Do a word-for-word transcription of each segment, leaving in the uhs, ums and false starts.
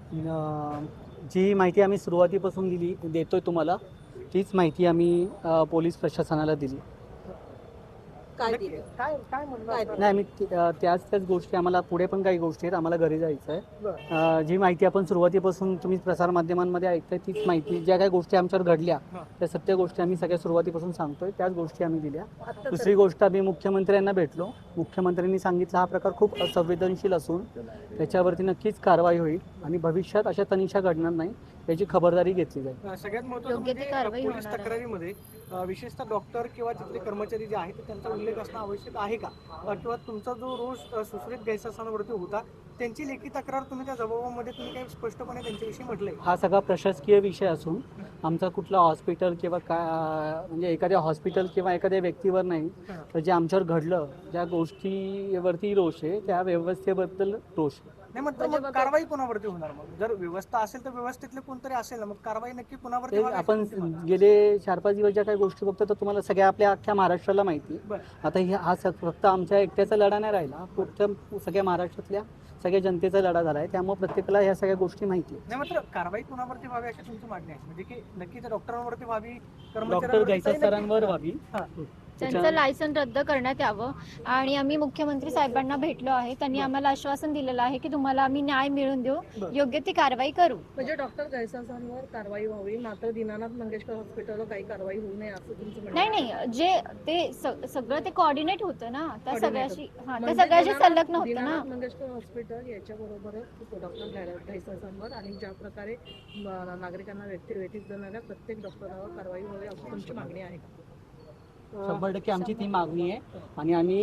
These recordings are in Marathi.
अं, जी माहिती आम्ही सुरुवातीपासून दिली देतोय तुम्हाला, तीच माहिती आम्ही अ, पोलीस प्रशासनाला दिली. काय नक्की दिलं? काय काय म्हणणं काय असणार? नाही, आम्ही ती- अ, त्याच त्याच गोष्टी आम्हाला पुढे पण काही गोष्टी आहेत, आम्हाला घरी जायचं आहे. बरं. अ, जी माहिती आपण सुरुवातीपासून तुम्ही प्रसारमाध्यमांमध्ये ऐकताय तीच माहिती, ज्या काही गोष्टी आमच्यावर घडल्या हां. त्या सत्य गोष्टी आम्ही सगळ्या सुरुवातीपासून सांगतोय, त्याच गोष्टी आम्ही दिल्या. आता दुसरी गोष्ट, आम्ही मुख्यमंत्र्यांना भेटलो. मुख्यमंत्र्यांनी सांगितलं हा प्रकार खूप संवेदनशील असून त्याच्यावरती नक्कीच कारवाई होईल आणि भविष्यात अशा तनिषा घडणार नाही याची खबरदारी घेतली जाईल. अ, सगळ्यात महत्त्वाचं योग्य ती म्हणजे कारवाई अ, पोलीस होणार आहे. तक्रारीमध्ये अ, विशेषतः डॉक्टर किंवा तिथले कर्मचारी जे आहेत त्यांचा उल्लेख असणं आवश्यक आहे का? अ, किंवा तुमचा जो रोज अ, सुश्रुत गैरसमजावरती होता त्यांची लेखी तक्रार तुम्ही त्या जबाबामध्ये तुम्ही काही स्पष्टपणे त्यांच्याविषयी म्हटलंय? हा सगळा प्रशासकीय विषय असून आमचा कुठला हॉस्पिटल किंवा काय म्हणजे एखाद्या हॉस्पिटल किंवा एखाद्या व्यक्तीवर नाही, हां. तर जे आमच्यावर घडलं ज्या गोष्टीवरती रोष आहे त्या व्यवस्थेबद्दल रोष आहे. नाही, मग तर म्हणजे मग मग- कारवाई कोणावरती होणार? मग जर व्यवस्था असेल तर व्यवस्थेतले कोणतरी असेल ना, मग कारवाई नक्की कोणावरती ते व्हावी अशी आपण तुमची मागणी आहे? गेले चार पाच दिवस ज्या काही गोष्टी बघतो तर तुम्हाला सगळ्या आपल्या अख्ख्या महाराष्ट्राला माहिती आहे. बरं. आता ही हा स- फक्त आमच्या एकट्याचा लढा नाही राहिला, फक्त सगळ्या महाराष्ट्रातल्या सगळ्या जनतेचा लढा झाला आहे. त्यामुळे प्रत्येकाला ह्या सगळ्या गोष्टी माहिती आहेत. नाही, मात्र कारवाई कोणावरती व्हावी अशी तुमची मागणी आहे, म्हणजे की नक्की त्या डॉक्टरांवरती व्हावी, डॉक्टर कर्मचाऱ्यांवरती गायचा काही नक्की- सरांवर व्हावी. हां. त्यांचं लायसन रद्द करण्यात यावं आणि आम्ही मुख्यमंत्री साहेबांना भेटलो आहे. त्यांनी आम्हाला आश्वासन दिलेलं आहे की तुम्हाला आम्ही न्याय मिळवून देऊ, बरं. योग्य ती कारवाई करू. म्हणजे डॉक्टर गैरसमजांवर कारवाई व्हावी, मात्र दीनानाथ मंगेशकर हॉस्पिटलवर काही कारवाई होऊ नये असं तुमचं म्हणणं नाही आहे? नाही, जे ते स- सगळं ते कोऑर्डिनेट होतं ना, त्या Coordinate सगळ्याशी हा त्या म्हणजे सगळ्याशी दीनानाथ- संलग्न होतं ना. दीनानाथ मंगेशकर हॉस्पिटल याच्याबरोबरच डॉक्टर गैरसमजांवर आणि ज्या प्रकारे म- नागरिकांना व्यक्ती व्यतीत करणाऱ्या प्रत्येक डॉक्टरांवर कारवाई व्हावी अशी तुमची मागणी आहे का? शंभर टक्के आमची ती मागणी आहे आणि आम्ही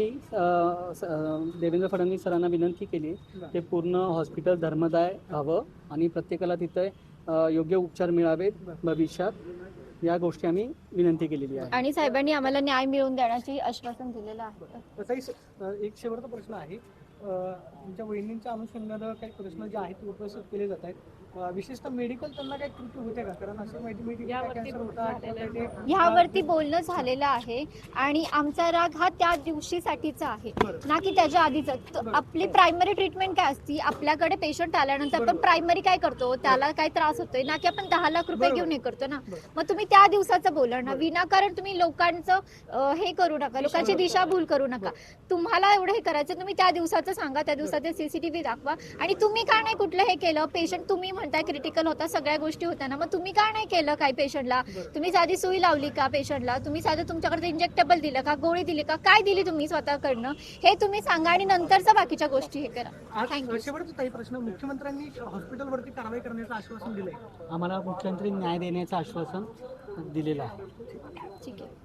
अ, स- अ, देवेंद्र फडणवीस सरांना विनंती केली ते पूर्ण हॉस्पिटल धर्मदाय हवं आणि प्रत्येकाला तिथे अ, योग्य उपचार मिळावेत भविष्यात, या गोष्टी आम्ही विनंती केलेली आहे. आणि साहेबांनी आम्हाला न्याय मिळवून देण्याची आश्वासन दिलेलं आहे. तसाही स- अ, एक शेवटचा प्रश्न आहे. अ, तुमच्या वहिनींच्या अनुषंगानं काही प्रश्न जे आहेत ते उपस्थित केले जात आहेत. अ, विशेषतः मेडिकल त्यांना काही कृती होते का? कारण अशी माहिती मिळते की यावरती कॅन्सर होता किंवा काही ते- ह्यावरती बोलणं झालेलं आहे आणि आमचा राग हा त्या दिवशीसाठीचा आहे ना की त्याच्या आधीचा. त- आपली प्रायमरी ट्रीटमेंट काय असती, आपल्याकडे पेशंट आल्यानंतर आपण प्रायमरी काय करतो, त्याला काय त्रास होतोय ना की आपण दहा लाख रुपये बरोबर. घेऊन हे करतो ना. बरोबर. मग तुम्ही त्या दिवसाचं बोला ना, विनाकारण तुम्ही लोकांचं अं, हे करू नका, लोकांची दिशाभूल करू नका. तुम्हाला एवढं हे करायचं, तुम्ही त्या दिवसाचं सांगा, त्या दिवसाचे सीसीटीव्ही दाखवा. आणि तुम्ही का नाही कुठलं हे केलं, पेशंट तुम्ही म्हणताय क्रिटिकल होता, सगळ्या गोष्टी होत्या ना, मग तुम्ही का नाही केलं काही पेशंटला? तुम्ही साधी सुई लावली का पेशंटला? तुम्ही साधं तुमच्याकडे इंजेक्टेबल दिलं का, गोळी दिली का, काय दिली तुम्ही स्वतःकडनं, हे तुम्ही सांगा आणि नंतरच्या बाकीच्या गोष्टी हे करा. आज थँक्यू. शेवटचा काही प्रश्न, मुख्यमंत्र्यांनी हॉस्पिटलवरती कारवाई करण्याचं आश्वासन दिलंय. आम्हाला मुख्यमंत्री न्याय देण्याचं आश्वासन दिलेलं आहे. ठीक आहे.